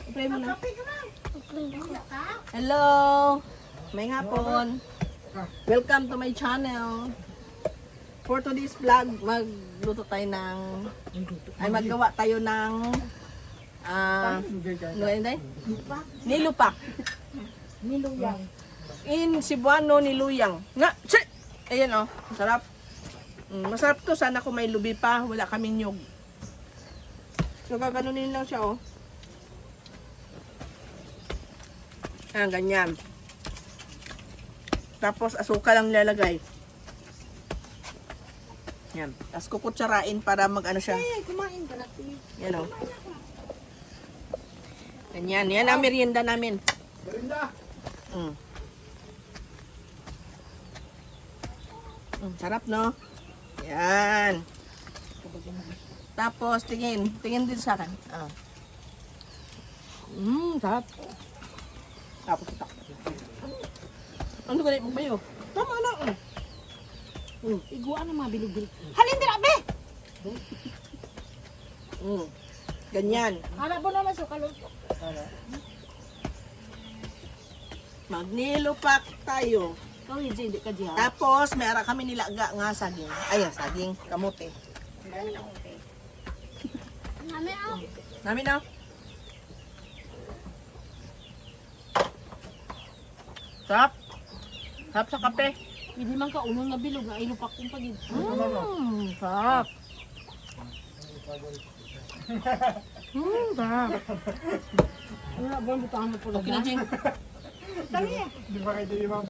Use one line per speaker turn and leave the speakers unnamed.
Play mo na. Hello! May hapon. Welcome to my channel. For today's vlog, magluto tayo ng... Ay, maggawa tayo ng... ano yun day? Nilupak.
Niluyang.
In Cebuano, niluyang. Nga! Tsi! Ayan o, sarap. Masarap to. Sana kung may lubi pa, wala kaming nyug. So, gaganunin lang siya o. Ayan, ganyan. Tapos, asukal lang nilalagay. Yan. Tapos, kukutsarain para mag-ano siya.
Kumain ka na, please.
Yan o. Ganyan. Yan ang merienda namin.
Merinda.
Sarap, no? Yan. Tapos, tingin. Tingin din sa akin. Sarap. Tapos, ito. Ano ganit mo ba yun? Tama na.
Iguan ang mga bilog-bilog. Halin din, abe!
Ganyan.
Harap mo naman sa kaluto.
Magnilupak tayo.
Ikaw, hindi ka diyan.
Tapos, mayroon kami nilaga nga saging. Ayan, saging. Kamote. Namin na. Sarap. Sarap sa kape.
Hindi man ka unong na bilog na ilupak kong pagid.
Sarap. Sarap.
Wala ba ang butahan mo po
Okay na, Jing.
Dali
Di ba kayo di ba?